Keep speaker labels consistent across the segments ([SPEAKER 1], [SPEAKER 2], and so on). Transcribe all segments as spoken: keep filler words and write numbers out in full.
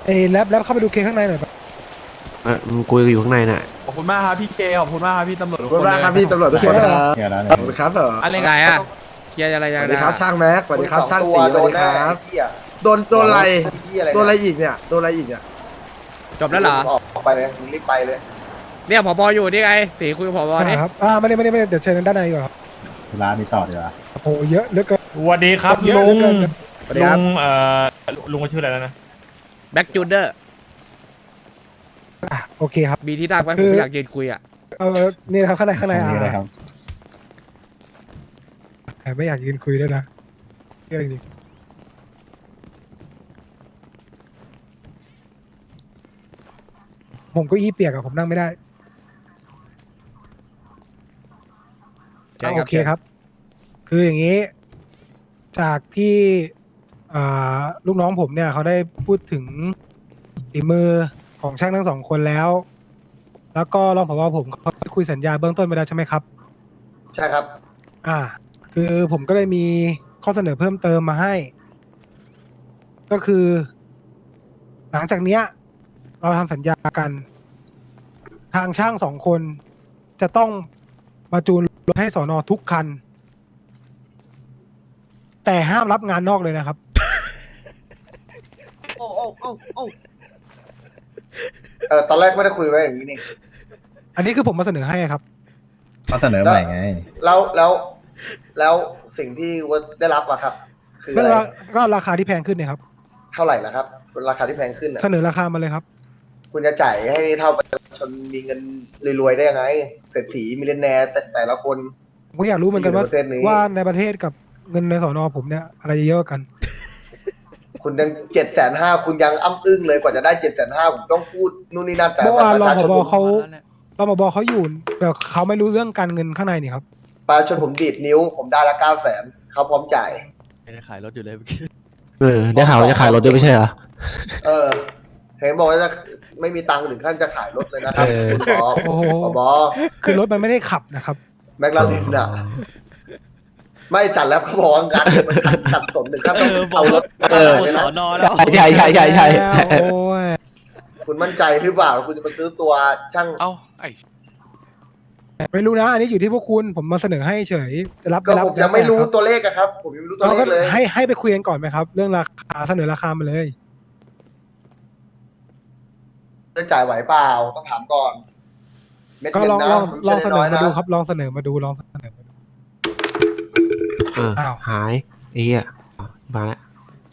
[SPEAKER 1] อ้แรปแรปเข้าไปดูเคข้างในหน่อยปะ
[SPEAKER 2] เออมึงคุยอยู่ข้างในน่ะ
[SPEAKER 3] ขอบคุณมากครับพี่เคขอบคุณมากครับพี่ตำรวจ
[SPEAKER 4] ขอบคุณมากครับพี่ตำรวจทุกคนครับ
[SPEAKER 5] เดี๋ยวนะ
[SPEAKER 4] ขอบคุณครับเถอะ
[SPEAKER 3] อะไร
[SPEAKER 6] ไงอะเคลียร์อะไร
[SPEAKER 4] ส
[SPEAKER 6] ยัง
[SPEAKER 4] วัส
[SPEAKER 6] ไง
[SPEAKER 4] ดีครับช่างแม็กสวัสดีครับช่างตีสวัสดีครับ
[SPEAKER 7] เหี้ย
[SPEAKER 4] โดนโดนอะไร
[SPEAKER 7] เหี้ยอะไร
[SPEAKER 4] โดนอะไรอีกเนี่ยโดนอะไรอีกเนี่ย
[SPEAKER 6] จบแล้วเหรอ
[SPEAKER 7] ออกไปเลยมึงรีบไปเลย
[SPEAKER 6] เนี่ยผบอยู่นี่ไงตีคุยกับผบนี่
[SPEAKER 1] ครับอ่าไม่ได้ไม่ได้ไม่ได้เดี๋ยวเชิญด้านในดีกว่าครับ
[SPEAKER 5] ร้านนี้ต่อดีกว่า
[SPEAKER 1] โอ้โหเยอะเหลือเกิน
[SPEAKER 8] สวัสดีครับ
[SPEAKER 1] เยอะ
[SPEAKER 8] ลุง
[SPEAKER 1] เหลือเกิน
[SPEAKER 6] สวัสดีครับ
[SPEAKER 8] ลุงเอ่อลุงก็ชื่ออะไรแล้วนะ
[SPEAKER 6] แบ็กจูเดอร์
[SPEAKER 1] อ่ะโอเคครับ
[SPEAKER 6] มีที่นั่งไหม
[SPEAKER 1] คื
[SPEAKER 6] ผม
[SPEAKER 1] อ
[SPEAKER 6] ไม่อยากยืนคุยอ่ะ
[SPEAKER 1] เออนี่นะครับข้างในข้างใน
[SPEAKER 5] อันนี้เลยค
[SPEAKER 1] อ่ะ
[SPEAKER 5] รับ
[SPEAKER 1] แต่ไม่อยากยืนคุยด้วยนะเรื่องจริงผมก็อี้เปียกอะผมนั่งไม่ได้
[SPEAKER 6] ใช่
[SPEAKER 1] อ่ะ
[SPEAKER 6] ครับ
[SPEAKER 1] โอเคครับ คืออย่างนี้ จากที่อ่าลูกน้องผมเนี่ย เขาได้พูดถึงฝีมือของช่างทั้งสองคนแล้ว แล้วก็รองผบผมเขาได้คุยสัญญาเบื้องต้นไปแล้วใช่ไหมครับ
[SPEAKER 7] ใช่ครับ
[SPEAKER 1] อ่า คือผมก็เลยมีข้อเสนอเพิ่มเติมมาให้ ก็คือ หลังจากเนี้ย เราทำสัญญากัน ทางช่างสองคนจะต้องมาจูนรถให้สอนอทุกคัน แต่ห้ามรับงานนอกเลยนะครับ
[SPEAKER 7] โอ้โอ้โอ้โอ้เออตอนแรกไม่ได้คุยไว้อย่างนี้นี่
[SPEAKER 1] อันนี้คือผมมาเสนอให้ครับ
[SPEAKER 5] เขาเสนอใหม่ไง
[SPEAKER 7] แล้วแล้วแล้วสิ่งที่วัดได้รับอะครับ คือ
[SPEAKER 1] ก็
[SPEAKER 7] อะไร
[SPEAKER 1] ราก็ราคาที่แพงขึ้นเนี่ยครับ
[SPEAKER 7] เท่าไหร่ละครับราคาที่แพงขึ้นอะ
[SPEAKER 1] เสนอราคามาเลยครับ
[SPEAKER 7] คุณจะจ่ายให้เท่าประชาชนมีเงินรวยๆได้ยังไงเศรษฐีมิลเลนแนร์แต่แต่ละคน
[SPEAKER 1] ผมก็อยากรู้เหมือนกันว่า
[SPEAKER 7] ที่อยู่ในประเทศนี้
[SPEAKER 1] ว่าในประเทศกับเงินในสอนอผมเนี่ยอะไรจะเยอะกว่ากัน
[SPEAKER 7] คุณยังเจ็ดแสนห้าคุณยังอ้ำอึ้งเลยกว่าจะได้เจ็ดแสนห้าผมต้องพูดนู่นนี่นั่นแต่
[SPEAKER 1] เมื่อวาน
[SPEAKER 7] ประ
[SPEAKER 1] รอง
[SPEAKER 7] ชา
[SPEAKER 1] ผ
[SPEAKER 7] ชน
[SPEAKER 1] บ
[SPEAKER 7] ผม
[SPEAKER 1] เขารองผบเขาอยู่แบบเขาไม่รู้เรื่องการเงินข้างในนี่ครับ
[SPEAKER 7] ประชาชนผมดีดนิ้ว ผมได้ละเก้าแสนเขาพร้อมจ่าย
[SPEAKER 2] เออได้ข่าวจะขายรถด้วยไม่ใช่เหรอ
[SPEAKER 7] เออเห็นบอกว่าจะไม่มีตังค์ถึงขั้นจะขายรถเลยนะครับ
[SPEAKER 2] เออ
[SPEAKER 7] คุณบอ
[SPEAKER 1] โอ้โห
[SPEAKER 7] บอ
[SPEAKER 1] คือรถมันไม่ได้ขับนะครับ
[SPEAKER 7] แมคลาเรนอ่ะ ไม่จัดแล้วเขาบอกว่างานมันขัดสนถึงขั้นต้องเอารถ
[SPEAKER 2] เออ
[SPEAKER 7] ไปนะ
[SPEAKER 2] ใช่ใช่ใช่ใช่
[SPEAKER 1] โอ้ย
[SPEAKER 7] คุณมั่นใจหรือเปล่า คุณจะมาซื้อตัวช่าง
[SPEAKER 3] เอ้าไอ้
[SPEAKER 1] ไม่รู้นะ อันนี้อยู่ที่พวกคุณผมมาเสนอให้เฉยจะรับ
[SPEAKER 7] ก็
[SPEAKER 1] รับ
[SPEAKER 7] ผมยังไม่รู้
[SPEAKER 1] แล้วแต่คบ
[SPEAKER 7] ตัวเลขอะครับ ผมยังไม่รู้ตัว
[SPEAKER 1] เรา
[SPEAKER 7] เล
[SPEAKER 1] ก็
[SPEAKER 7] ขเลย
[SPEAKER 1] ให้ให้ไปคุยกันก่อนไหมครับ เรื่องราคาเสนอราคามาเลย
[SPEAKER 7] จะจ่ายไหวเปล่าต้องถามก่อนเม็ด
[SPEAKER 1] ก็
[SPEAKER 7] เงิน
[SPEAKER 1] ลอง
[SPEAKER 7] นะ
[SPEAKER 1] ลอง
[SPEAKER 7] มัน
[SPEAKER 1] ลอง
[SPEAKER 7] ไม่
[SPEAKER 1] เส
[SPEAKER 7] ใช่
[SPEAKER 1] นอ
[SPEAKER 7] น้ย
[SPEAKER 1] มา
[SPEAKER 7] นะ
[SPEAKER 1] ดูครับ ลองเสนอมาดูลองเสนอมาดู
[SPEAKER 2] เออ
[SPEAKER 1] อ้าว
[SPEAKER 2] หายไอ้เหี้ยอ่ะมาแล้ว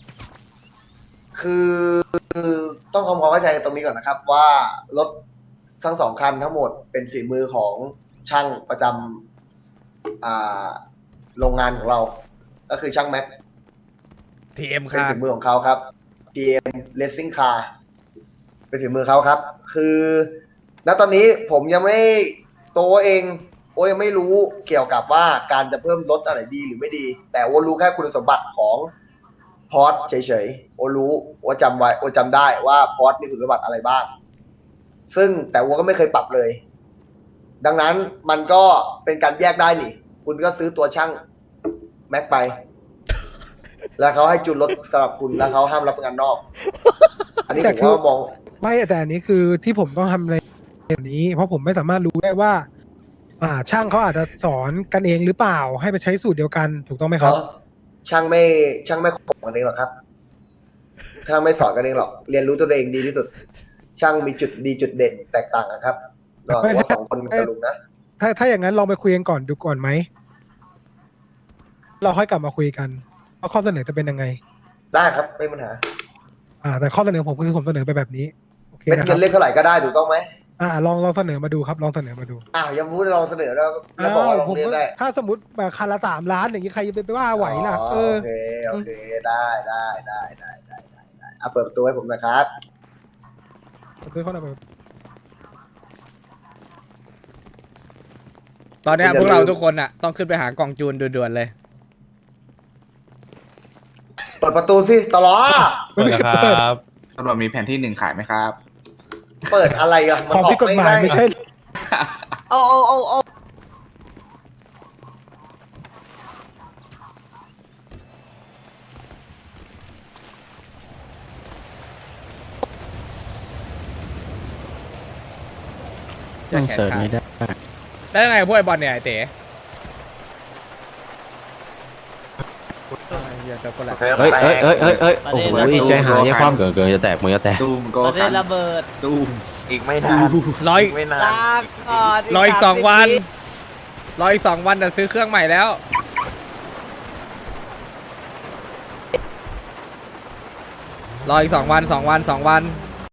[SPEAKER 7] คือต้องทำความเข้าใจตรงนี้ก่อนนะครับ ว่ารถทั้งสองคันทั้งหมดเป็นฝีมือของช่างประจำอ่าโรงงานของเรา ก็คือช่างแม็ก
[SPEAKER 6] ทีเอ็ม
[SPEAKER 7] เป็น
[SPEAKER 6] ค่ะ
[SPEAKER 7] ฝีมือของเขาครับ ที เอ็ม Racing Car เป็นฝีมือเขาครับ คือณตอนนี้ผมยังไม่ตัวเองโอ้ยังไม่รู้เกี่ยวกับว่าการจะเพิ่มรถอะไรดีหรือไม่ดี แต่โอรู้แค่คุณสมบัติของพอร์ตเฉยๆโอรู้โอจำไว้โอจำได้ว่าพอร์ตมีคุณสมบัติอะไรบ้าง ซึ่งแต่โอก็ไม่เคยปรับเลย ดังนั้นมันก็เป็นการแยกได้นี่ คุณก็ซื้อตัวช่างแม็กไป แล้วเขาให้จูนรถสำหรับคุณแล้วเขาห้ามรับงานนอก อันนี้
[SPEAKER 1] แต่
[SPEAKER 7] ผม
[SPEAKER 1] คือ
[SPEAKER 7] ก็มอง
[SPEAKER 1] ไม่แต่อันนี้คือที่ผมต้องทำในแบบนี้ เพราะผมไม่สามารถรู้ได้ว่า อ่า ช่างเขาอาจจะสอนกันเองหรือเปล่า ให้ไปใช้สูตรเดียวกันถูกต้องไหมครับ
[SPEAKER 7] เขาช่างไม่ช่างไม่ขบกันเองหรอกครับ ช่างไม่สอนกันเองหรอก เรียนรู้ตัวเองดีที่สุด ช่างมีจุดดีจุดเด่นแตกต่างกันครับระหว่างว่าสองคนกับลุงนะ
[SPEAKER 1] ถ้าถ้าอย่างนั้นลองไปคุยกันก่อนดูก่อนไหม เราค่อยกลับมาคุยกันว่าข้อเสนอจะเป็นยังไง
[SPEAKER 7] ได้ครับไม่มีปัญหา
[SPEAKER 1] อ่า แต่ข้อเสนอผมคือผมเสนอไปแบบนี้โอเค
[SPEAKER 7] เม็ด
[SPEAKER 1] นะค
[SPEAKER 7] เงิ
[SPEAKER 1] รับ
[SPEAKER 7] นเรียกเท่าไหร่ก็ได้ถูกต้องไหม
[SPEAKER 1] อ่าลองลองเสนอมาดูครับ ลองเสนอมาดู
[SPEAKER 7] อ้าวยังพูดลองเสนอแล้วแล้วบอกว่าลอง
[SPEAKER 1] ผม
[SPEAKER 7] เรียก
[SPEAKER 1] ก็
[SPEAKER 7] ได้
[SPEAKER 1] ถ้าสมมติแบบคันละสามล้านอย่างนี้ใครจะไปว่าไหวล่ะ
[SPEAKER 7] อ๋อ
[SPEAKER 1] เออ
[SPEAKER 7] โอเคโอเคได้ได้ได้ได้ได้ได้ได้เอาเปิดประตูให้ผมนะครับ
[SPEAKER 1] ซื้อเข้ามาแบบ
[SPEAKER 6] ตอนเนี้ยพวกเราทุกคนอ่ะต้องขึ้นไปหากล่องจูนด่วนๆเลย
[SPEAKER 7] เปิดประตูสิตลอด
[SPEAKER 8] สวัสดีครับ
[SPEAKER 3] ตำรวจมีแผนที่หนึ่งขายไหมครับ
[SPEAKER 7] เปิดอะไรอะมัน
[SPEAKER 1] ของ
[SPEAKER 7] ออ
[SPEAKER 1] ผิดกฎหมายไม่ใช่
[SPEAKER 7] เอาเอาเอาเอา
[SPEAKER 6] จะ
[SPEAKER 2] ต้อง
[SPEAKER 6] แขน
[SPEAKER 2] เสิร์ช
[SPEAKER 6] ขาด
[SPEAKER 2] ไม่ได้
[SPEAKER 6] แล้วยังไงพวกไอ้บอลเนี่ยไอ้เต๋เฮียจะคนละ
[SPEAKER 2] เฮ้ยเฮ้ยเฮ้ยเฮ้ยเฮ้ยโอ้โหใจหายใจความเกินเกินจะแตกมือจะแตก
[SPEAKER 3] ตูมโก
[SPEAKER 9] ประเท
[SPEAKER 3] คั
[SPEAKER 9] ศ
[SPEAKER 3] น
[SPEAKER 9] ระเบิด
[SPEAKER 3] ตูม
[SPEAKER 9] อีกไม่นาน
[SPEAKER 6] ร้อย
[SPEAKER 9] ไม่นานลาก่อน
[SPEAKER 6] รออีกสองวันรออีกสองวันจะซื้อเครื่องใหม่แล้วรออีกสองวันสองวันสองวัน